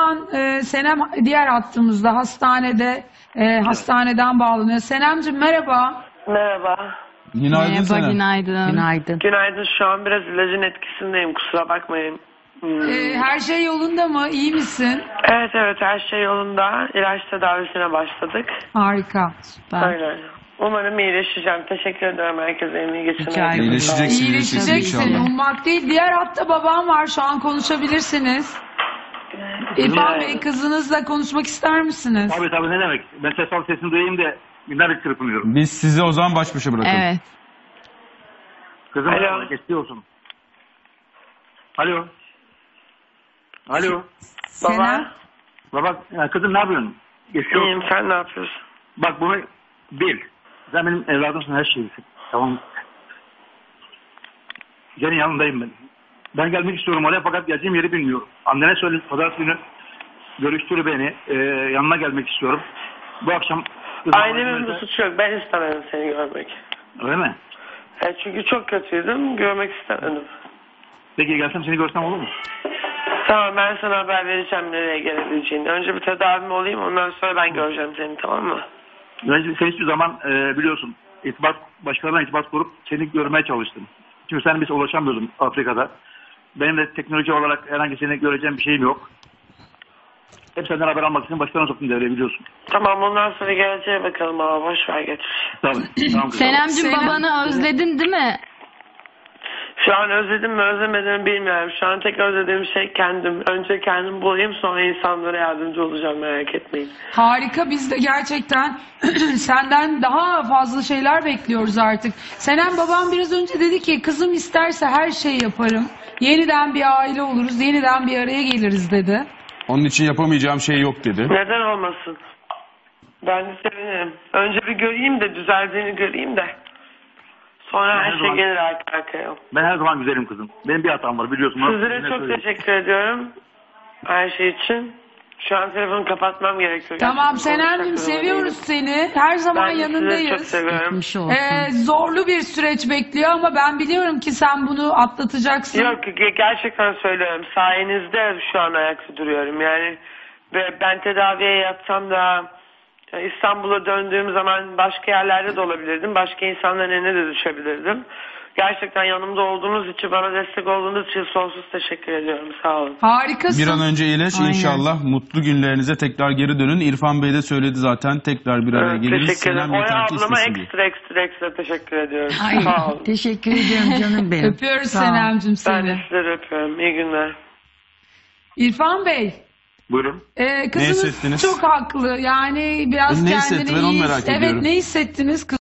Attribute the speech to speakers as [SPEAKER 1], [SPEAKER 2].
[SPEAKER 1] an Senem diğer hattımızda hastaneden bağlanıyor. Senemciğim merhaba.
[SPEAKER 2] Merhaba.
[SPEAKER 3] Günaydın
[SPEAKER 4] Merhaba,
[SPEAKER 3] Senem.
[SPEAKER 4] günaydın.
[SPEAKER 1] Günaydın.
[SPEAKER 2] Günaydın. Şu an biraz ilacın etkisindeyim. Kusura bakmayın.
[SPEAKER 1] Her şey yolunda mı? İyi misin?
[SPEAKER 2] Evet her şey yolunda. İlaç tedavisine başladık.
[SPEAKER 1] Harika.
[SPEAKER 4] Süper.
[SPEAKER 2] Aynen. Umarım iyileşeceğim. Teşekkür ederim herkese. Emeği
[SPEAKER 4] Rica
[SPEAKER 2] geçirmeye.
[SPEAKER 4] ederim.
[SPEAKER 3] İyileşeceksin
[SPEAKER 1] İyileşeceksin.
[SPEAKER 3] inşallah.
[SPEAKER 1] Ummak değil. Diğer hatta babam var. Şu an konuşabilirsiniz. İrfan Bey, kızınızla konuşmak ister misiniz?
[SPEAKER 5] Tabii ne demek. Ben sesini duyayım da binlerce çırpınıyorum.
[SPEAKER 3] Biz sizi o zaman baş başa bırakalım.
[SPEAKER 4] Evet.
[SPEAKER 5] Kızım
[SPEAKER 2] Alo.
[SPEAKER 5] geçti olsun. Alo. Alo.
[SPEAKER 1] Senem.
[SPEAKER 5] Baba kızım ne yapıyorsun? Geçiyor.
[SPEAKER 2] İyiyim. Sen ne yapıyorsun?
[SPEAKER 5] Bak bunu bil. Sen benim evladımsın, her şeysin. Tamam. Senin yanındayım ben. Ben gelmek istiyorum oraya fakat geleceğim yeri bilmiyorum. Annene söyle, pazartesi günü görüştür beni. Yanına gelmek istiyorum. Bu akşam...
[SPEAKER 2] Ailemin bir suçu yok. Ben istemedim seni görmek.
[SPEAKER 5] Öyle mi?
[SPEAKER 2] Çünkü çok kötüydüm. Görmek istemedim.
[SPEAKER 5] Peki gelsem seni görsem olur mu?
[SPEAKER 2] Tamam, ben sana haber vereceğim nereye gelebileceğini. Önce bir tedavim olayım, ondan sonra ben göreceğim seni, tamam mı?
[SPEAKER 5] Ben sen hiçbir zaman biliyorsun başkalarına irtibat kurup seni görmeye çalıştım. Çünkü sen bize ulaşamıyordun Afrika'da. Benim de teknoloji olarak herhangi seni göreceğim bir şeyim yok. Hep senden haber almak için başkalarına soktum devreye, biliyorsun.
[SPEAKER 2] Tamam, ondan sonra geleceğe bakalım ama boş ver getir.
[SPEAKER 5] Tamam kızım.
[SPEAKER 4] Senemciğim,
[SPEAKER 1] Senem.
[SPEAKER 4] babanı özledin değil mi?
[SPEAKER 2] Şu an özledim mi özlemedim bilmiyorum. Şu an tek özlediğim şey kendim. Önce kendim bulayım, sonra insanlara yardımcı olacağım, merak etmeyin.
[SPEAKER 1] Harika. Biz de gerçekten senden daha fazla şeyler bekliyoruz artık. Senem, babam biraz önce dedi ki kızım isterse her şeyi yaparım. Yeniden bir aile oluruz, yeniden bir araya geliriz dedi.
[SPEAKER 3] Onun için yapamayacağım şey yok dedi.
[SPEAKER 2] Neden olmasın? Ben de sevinirim. Önce bir göreyim de, düzeldiğini göreyim de. Sonra her şey gelir arka arkaya.
[SPEAKER 5] Ben her zaman güzelim kızım. Benim bir hatam var, biliyorsun.
[SPEAKER 2] Sizlere çok teşekkür ediyorum. Her şey için. Şu an telefonu kapatmam gerekiyor.
[SPEAKER 1] Tamam
[SPEAKER 2] Gerçekten
[SPEAKER 1] Senem'cim,
[SPEAKER 2] konuşacak durumda
[SPEAKER 1] seviyoruz
[SPEAKER 2] değilim.
[SPEAKER 1] seni. Her zaman
[SPEAKER 2] Ben de sizi çok
[SPEAKER 1] yanındayız.
[SPEAKER 2] seviyorum.
[SPEAKER 4] Geçmiş olsun.
[SPEAKER 1] Zorlu bir süreç bekliyor ama ben biliyorum ki sen bunu atlatacaksın.
[SPEAKER 2] Yok, gerçekten söylüyorum. Sayenizde şu an ayakta duruyorum. Yani ve ben tedaviye yatsam da İstanbul'a döndüğüm zaman başka yerlerde de olabilirdim. Başka insanların eline de düşebilirdim. Gerçekten yanımda olduğunuz için, bana destek olduğunuz için sonsuz teşekkür ediyorum. Sağ olun.
[SPEAKER 1] Harikasın.
[SPEAKER 3] Bir an önce iyileş.
[SPEAKER 4] Aynen.
[SPEAKER 3] İnşallah mutlu günlerinize tekrar geri dönün. İrfan Bey de söyledi zaten, tekrar bir araya geliriz.
[SPEAKER 2] Teşekkür ederim.
[SPEAKER 3] Senem
[SPEAKER 2] Oya
[SPEAKER 3] yeter ki
[SPEAKER 2] ablama
[SPEAKER 3] istesin diye.
[SPEAKER 2] ekstra teşekkür ediyorum.
[SPEAKER 6] Ay,
[SPEAKER 2] Sağ olun.
[SPEAKER 6] teşekkür ediyorum canım benim.
[SPEAKER 1] Öpüyoruz
[SPEAKER 6] Sağ ol.
[SPEAKER 1] Senem'cim
[SPEAKER 2] Ben de
[SPEAKER 1] seni.
[SPEAKER 2] sizleri öpüyorum. İyi günler.
[SPEAKER 1] İrfan Bey.
[SPEAKER 5] Buyurun.
[SPEAKER 1] Kızınız
[SPEAKER 3] hissettiniz?
[SPEAKER 1] çok haklı. Yani biraz
[SPEAKER 3] Ne
[SPEAKER 1] kendini
[SPEAKER 3] hissetti? Ben onu
[SPEAKER 1] iyi
[SPEAKER 3] merak
[SPEAKER 1] Evet,
[SPEAKER 3] ediyorum.
[SPEAKER 1] ne hissettiniz?